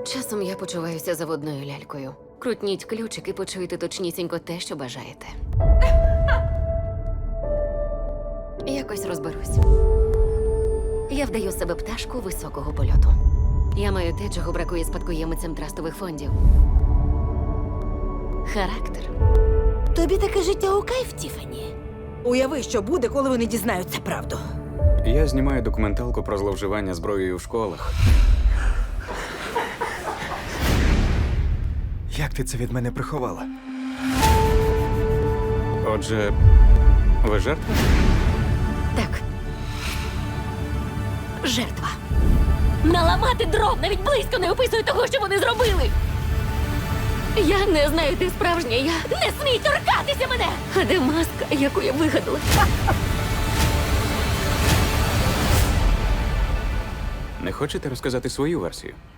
Часом я почуваюся заводною лялькою. Крутніть ключик і почуєте точнісінько те, що бажаєте. Якось розберусь. Я вдаю з себе пташку високого польоту. Я маю те, чого бракує спадкоємицям трастових фондів. Характер. Тобі таке життя у кайф, Тіфані? Уяви, що буде, коли вони дізнаються правду. Я знімаю документалку про зловживання зброєю в школах. Як ти це від мене приховала? Отже, ви жертва? Так. Жертва. Наламати дров навіть близько не описує того, що вони зробили. Я не знаю, ти справжня. Я не смій торкатися мене! А де маска, яку я вигадала? Не хочете розказати свою версію?